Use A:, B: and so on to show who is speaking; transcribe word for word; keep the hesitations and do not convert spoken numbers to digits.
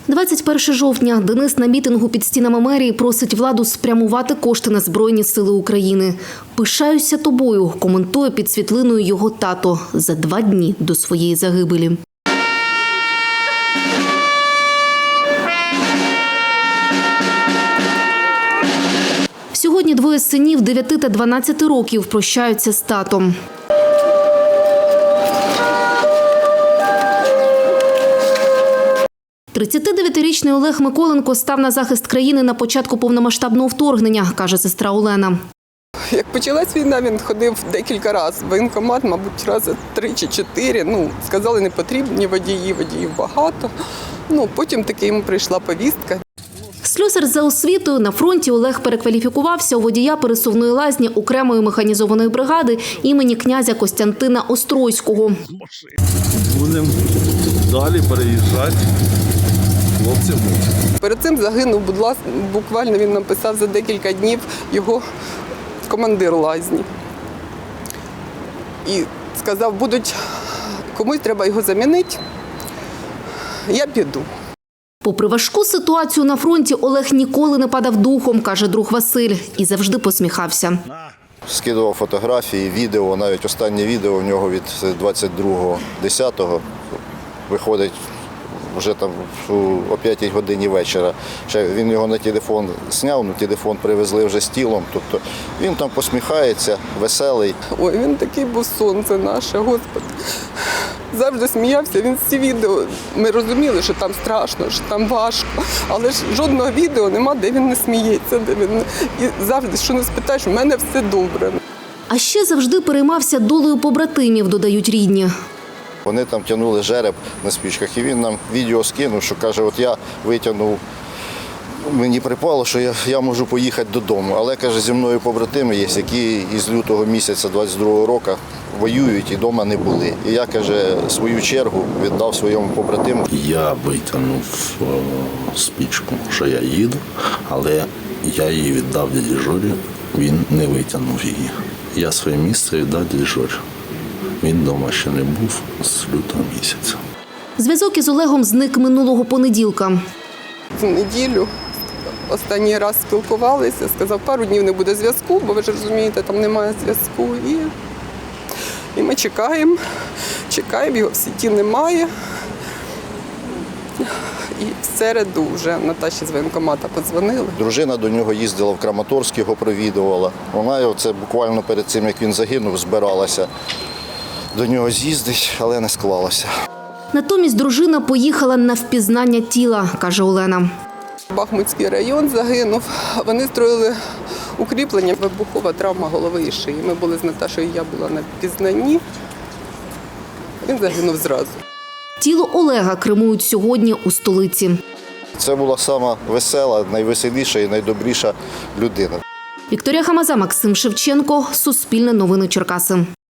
A: двадцять першого жовтня Денис на мітингу під стінами мерії просить владу спрямувати кошти на Збройні сили України. «Пишаюся тобою», коментує під світлиною його тато за два дні до своєї загибелі. Сьогодні двоє синів дев'яти та дванадцяти років прощаються з татом. тридцятидев'ятирічний Олег Миколенко став на захист країни на початку повномасштабного вторгнення, каже сестра Олена.
B: Як почалась війна, він ходив декілька разів. Воєнкомат, мабуть, рази три чи чотири. Ну, сказали, не потрібні водії, водіїв багато. Ну, потім таки йому прийшла повістка.
A: Слюсар за освітою. На фронті Олег перекваліфікувався у водія пересувної лазні окремої механізованої бригади імені князя Костянтина Острозького.
C: Будемо далі переїжджати хлопцям.
B: Перед цим загинув, будь ласка, буквально він написав за декілька днів його командир лазні. І сказав, будуть, комусь треба його замінити, я піду.
A: Попри важку ситуацію на фронті, Олег ніколи не падав духом, каже друг Василь, і завжди посміхався.
D: Скидував фотографії, відео, навіть останнє відео в нього від двадцять другого десятого виходить вже там о п'ятій годині вечора. Він його на телефон зняв, на телефон привезли вже з тілом. Тобто він там посміхається, веселий.
B: Ой, він такий був сонце наше, Господи. Завжди сміявся, він всі відео, ми розуміли, що там страшно, що там важко, але ж жодного відео нема, де він не сміється, де він і завжди, що не спитаєш, у мене все добре.
A: А ще завжди переймався долею побратимів, додають рідні.
D: Вони там тягнули жереб на спічках, і він нам відео скинув, що каже, от я витягнув, мені припало, що я, я можу поїхати додому. Але, каже, зі мною побратими є, які із лютого місяця двадцять другого року воюють і вдома не були. І я, каже, свою чергу віддав своєму побратиму.
C: Я витягнув о, спічку, що я їду, але я її віддав дяді Жорі, він не витягнув її. Я своє місце віддав дяді Жорі. Він вдома ще не був з лютого місяця.
A: Зв'язок із Олегом зник минулого понеділка.
B: В неділю останній раз спілкувалися, сказав, пару днів не буде зв'язку, бо ви ж розумієте, там немає зв'язку. І, і ми чекаємо, чекаємо, його в сіті немає. І в середу вже Наташі з воєнкомата подзвонили.
D: Дружина до нього їздила в Краматорськ, його провідувала. Вона це буквально перед цим, як він загинув, збиралася до нього з'їздить, але не склалося.
A: Натомість дружина поїхала на впізнання тіла, каже Олена.
B: Бахмутський район загинув. Вони строїли укріплення, вибухова травма голови і шиї. Ми були з Наташою, я була на впізнанні. Він загинув зразу.
A: Тіло Олега кремують сьогодні у столиці.
D: Це була сама весела, найвеселіша і найдобріша людина.
A: Вікторія Хамаза, Максим Шевченко, Суспільне новини Черкаси.